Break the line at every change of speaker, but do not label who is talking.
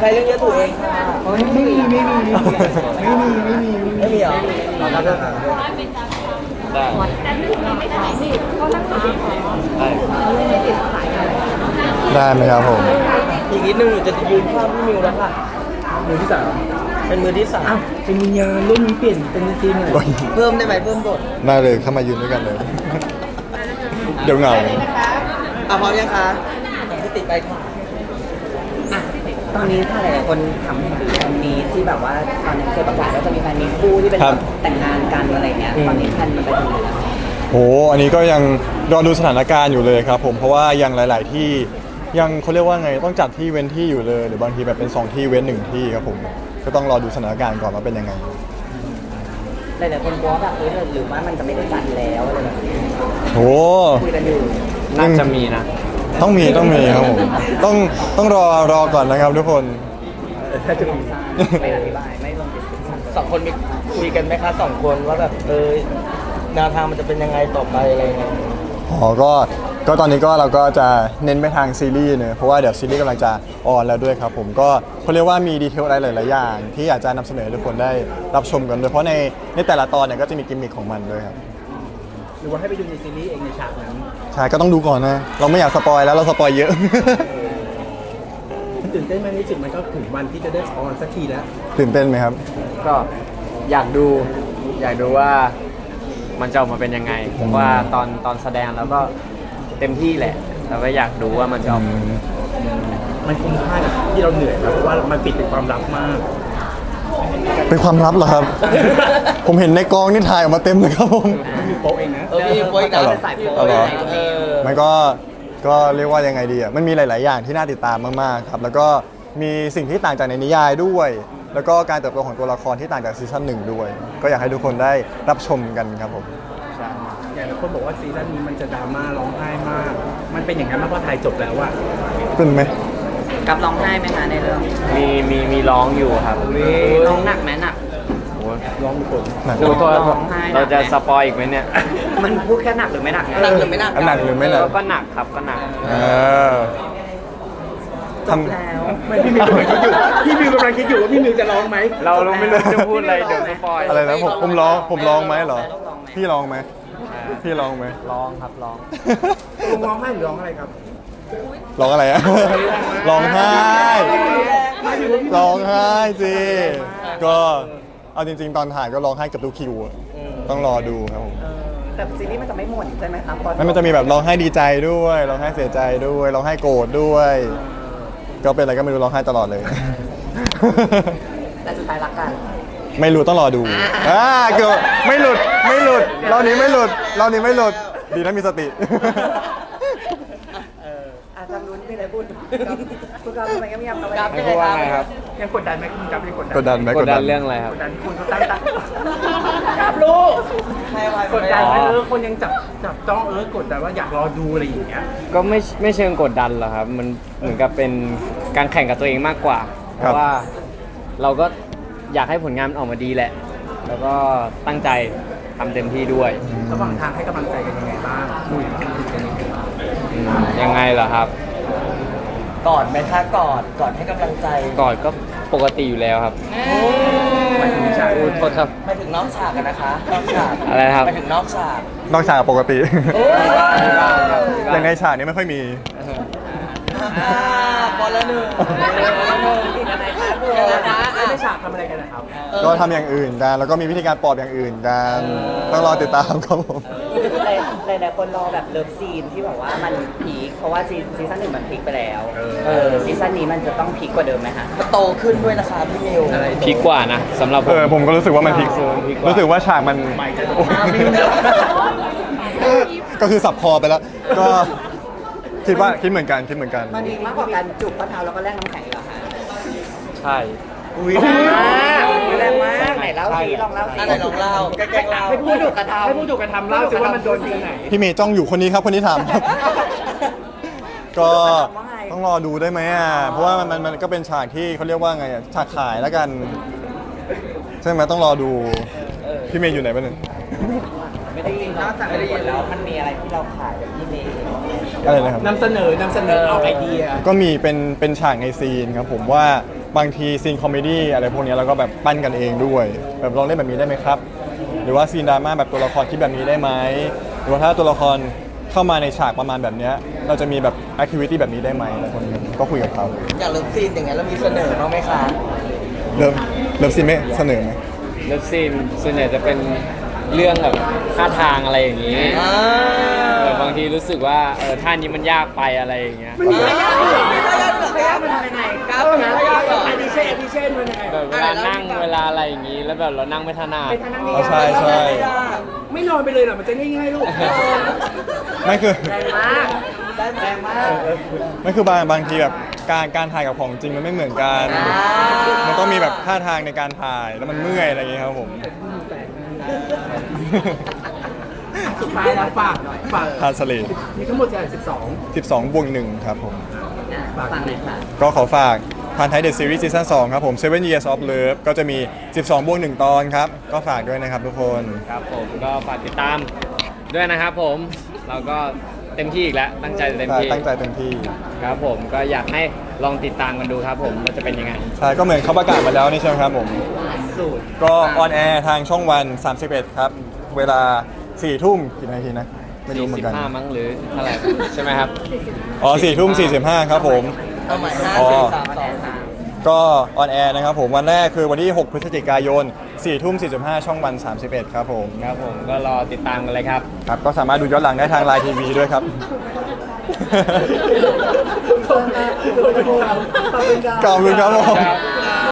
ครเรื่องเยอะถูกเองค่ะไม่มีเหรอ
ได้
ได้ไหมครับผม
อีกนิดนึงหนูจะยืนข้างพี่มิวแล้วค่ะมือที่สามเป็นมือที่สามเป็นวิญญาณเรื่องนี้เปลี่ยนเป็นจริงเลยเพิ่มได้ไหมเพิ่มบท
ได้เลยเข้ามายืนด้วยกันเลย เดี๋ยวเหงา
พร้อมยังคะที่ติดไปค่ะตอนนี้ถ้าหลายๆคนถามถึงแฟนมีที่แบบว่าตอนนี้เคยประกาศว่าจะมีแฟนมีคู่ที่เป็นแต่งงานกันอะไรเงี้ยตอนนี้แฟนมันไปถึงไหนแล้ว
โหอันนี้ก็ยังรอดูสถานการณ์อยู่เลยครับผมเพราะว่ายังหลาย ๆ ที่ยังเขาเรียกว่าไงต้องจัดที่เว้นที่อยู่เลยหรือบางทีแบบเป็น2ที่เว้น1ที่ครับผมก็ต้องรอดูสถานการณ์ก่อนว่าเป็นยังไง
หลายๆคนกลัวแบบหรือว่ามันจะไม่ได้จัดแล้วอะไรแบบนี้
โห
คุยกันอยู่
น่าจะมีนะ
ต้องมีครับผมต้องรอก่อนนะครับทุกคน
ถ้าจะมีไม่อธิบายไม่ลงดิสคัสสองคนมีคุยกันไหมคะสองคนว่าแบบแนวทางมันจะเป็นยังไงต่อไปอะไรเงี้ย
อ๋อก็ตอนนี้ก็เราก็จะเน้นไปทางซีรีส์เนอะเพราะว่าเดี๋ยวซีรีส์กำลังจะออนแล้วด้วยครับผมก็เขาเรียกว่ามีดีเทลอะไรหลาย ๆ อย่างที่อยากจะนำเสนอให้ทุกคนได้รับชมกันด้วยเพราะในแต่ละตอนเนี่ยก็จะมีกิมมิคของมันด้วยครับ
หรือว่าให้ไปดูในซีรีส์เองในฉากนั้น
ใช่ก็ต้องดูก่อนนะเราไม่อยากสปอยแล้วเราสปอยเยอะ
ตื่นเต้นไหมรู้สึกมันก็ถึงวันที่จะได้ออนสักทีแล้ว
ตื่นเต้นไหมครับ
ก็อยากดูว่ามันจะออกมาเป็นยังไงผมว่าตอนแสดงแล้วก็เต็มที่แหละแต่ว่าอยากดูว่ามันจะออก
มันคุ้มค่าที่เราเหนื่อยเพราะว่ามันปิดเป็นความลับมาก
เป็นความลับเหรอครับ ผมเห็นในกองนี่ถ่ายออกมาเต็มเลยครับผม
มีโป๊ะเองนะมีโป๊ะเองนะใส่โป๊ะ
มันก็เรียกว่ายังไงดีอ่ะมันมีหลาย ๆ อย่างที่น่าติดตามมาก ๆ ครับแล้วก็มีสิ่งที่ต่างจากในนิยายด้วยแล้วก็การเติบโตของตัวละครที่ต่างจากซีซั่น1ด้วยก็อยากให้ทุกคนได้รับชมกันครับผม
อย่างคนบอกว่าซีซั่นนี้มันจะดราม่าร้องไห้มากมันเป็นอย่างนั้นมากเพราะถ่ายจบแล้วอะ
เป็นไหม
กับร้องไห้ไหมคะในเรื่อง
มีร้องอยู่ครับ
ร้องหนักไหมหนักร้องคน
ดูตัวเราจะสปอยอีกไหมเนี่ย
มันพูดแค่หนักหรือไม่หนักหนักหรือไม่หนัก
หนักหรือไม่หนัก
ก็หนักครับก็หนัก
จบแล้วไม่พี่มิวกำลังคิดอยู่ว่าพี่มิวจะร้องไหม
เราไม่รู้จะพูดอะไรเดี๋ยวสปอย
อะไรนะผมร้องไหมเหรอพี่ร้องไหม
ร้องครับร้อง
ร้องไห้หรือร้องอะไรครับ
ร้องอะไรอะร้องไห้สิก็เอาจริง ๆ ตอนถ่ายก็ร้องไห้กับทุกคิวต้องรอดูครับผม
แต่ซีรีส์มันจะไม่หมดใช่ไหมครับ
มันจะมีแบบร้องไห้ดีใจด้วยร้องไห้เสียใจด้วยร้องไห้โกรธด้วยก็เป็นอะไรก็ไม่รู้ร้องไห้ตลอดเลย
แต่สุดท้ายรักกัน
ไม่รู้ต้องรอดูเกือบไม่หลุดรอบนี้ไม่หลุดดีนะมีสติ
ทางนู้นมีอะไรพูดคุณกับทำไมก็ไม่ยอมทำอะไร
ไม่พูดว่าไงครับ
ยังกดดันไหมคุณกับยัง
กดดันไหม
กดดันเรื่องอะไรครับ
กดดันคุณเขาตั้งครับลูกกดดันไหมคนยังจับจ้องกดดันว่าอยากรอดูอะไรอย่างเงี้ย
ก็ไม่เชิงกดดันหรอกครับมันเหมือนกับเป็นการแข่งกับตัวเองมากกว่าเพราะว่าเราก็อยากให้ผลงานมันออกมาดีแหละแล้วก็ตั้งใจทำเต็มที่ด้วย
ระหว่างทางให้กำลังใจกันยังไงบ้างคุยกัน
ยังไงเหรอครับ
กอดไหมคะกอดให้กำลังใจ
กอดก็ปกติอยู่แล้วครับ
ไม่ถึงฉาก
โทษครับ
ไม่ถึงนอกฉากกันนะคะนอกฉาก
อะไรครับ
ไม่ถึงนอกฉาก
ปกติอย่างในฉากนี้ไม่ค่อยมี
บอลละหนึ่งในฉากทำอะไรกันนะครับ
ก็ทำอย่างอื่นกันแล้วก็มีวิธีการปลอบอย่างอื่นกันต้องรอติดตามครับผม
หลายคนรอแบบเลิฟซีนที่แบบว่ามันพีคเพราะว่าซีซั่น1มันพีคไปแล้วซีซั่นนี้มันจะต้องพีคกว่าเดิมไหมคะมันโตขึ้นด้วยนะคะพี่มิว
พีคกว่านะสำหรับ
ผมก็รู้สึกว่ามันพีครู้สึกว่าฉากมันก็คือสับคอไปแล้วก็คิดเหมือนกัน
มันมีมากกว่าการจุบข้อเท้าแล้วก็แลกน้ำแข็งเหรอคะ
ใช่
แรงมากไหนเล่าสิลองเล่าสิไหนลองเล่าแกล้งเล่าให้ผู้ถูกกระทำเล่าสิว่ามันโดนที่ไหน
พี่เมย์จ้องอยู่คนนี้ครับคนนี้ทำก็ต้องรอดูได้ไหมเพราะว่ามันก็เป็นฉากที่เขาเรียกว่าไงฉากขายแล้วกันใช่ไหมต้องรอดูพี่เมย์อยู่ไหนบ้าง
ไม่ได้ยินนอกจากไม่ได้ยินแล้วมันมีอะไรที่เราขายแบบพี่เมย์
อะไรนะครับ
นำเสนอเอาไอเดีย
ก็มีเป็นฉากในซีนครับผมว่าบางทีซีนคอมเมดี้อะไรพวกนี้เราก็แบบปั้นกันเองด้วยแบบลองเล่นแบบนี้ได้ไหมครับ หรือว่าซีนดราม่าแบบตัวละครคิดแบบนี้ได้ไหมหรือว่าถ้าตัวละครเข้ามาในฉากประมาณแบบเนี้ยเราจะมีแบบแอคทิวิตี้แบบนี้ได้ไหมอะไรพวกนี้ก็คุยกับเขา
อยากเลิฟซีนอย่างเงี้ยเรามีเสนอบ้างไหมคะ
เริ่มซีนไม่เสนอไหม
เลิฟซีนส่วนใหญ่จะเป็นเรื่องแบบท่าทางอะไรอย่างนี้แบบบางทีรู้สึกว่าท่านี้มันยากไปอะไรอย่างเงี้ย
ไม่ยากเหรอไม่ยากเหรอครับมันทำยังไงครับมันไม่ยากเหรอ
อันนี้เช่นมันยังไง
แบบเวลานั่งเวลาอะไรอย่างงี้ แล้วแบบเรานั่งไม่ถนัด
เป็นทางนั่ง
อ๋อ
ง่าย
ใช่
ไม่นอนไปเลยเหรอมันจะง่ายๆลูก
ไม่คือ
แรงมาก
ได้แรงมาก
ไม่คือบางทีแบบการถ่ายกับของจริงมันไม่เหมือนกัน มันต้องมีแบบท่าทางในการถ่ายแล้วมันเมื่อยอะไรอย่างเงี้ยครับผม
สุดท้ายแล้วฝากหน่อยฝาก
ทาสเลด
มีทั้งหมด12
12/1ครับผม
ฟังหน่อยค่ะ
ก็ขอฝากทานไทยเดอะซีรีส์ซีซั่น2ครับผม Seven Years of Love ก็จะมี 12/1 ตอนครับ ก็ฝากด้วยนะครับทุกคน
ครับผมก็ฝากติดตามด้วยนะครับผม เราก็เต็มที่อีกแล้ว ตั้งใจเต็มที่
ตั้งใจเต็มที่
ครับผมก็อยากให้ลองติดตามกันดูครับผมว่าจะเป็นยังไง
ใช่ ก็เหมือนเขาประกาศมาแล้วนี่ใช่ไหมครับผม
สูตร
ก็ออนแอร์ทางช่องวัน 31 ครับ เวลา 4 ทุ่มกี่นาทีนะ ไม่รู้เหมือนกัน
45มั้งหรือเท่าไหร่ใช่ไหมครับ
อ๋อ 4 ทุ่ม 45 ครับผม
เอาใหม่5
อ๋อ
4 3 2 3
ก็ออนแอร์นะครับผมวันแรกคือวันที่ 6 พฤศจิกายน 4 ทุ่ม 45 ช่องวัน 31 ครับผม
ครับผมก็รอติดตามกันเลยครับ
ครับ ก็สามารถดูย้อนหลังได้ทางไลน์ทีวีด้วยครับ
ขอบคุณครับ
ขอบคุณครับผม
ครับ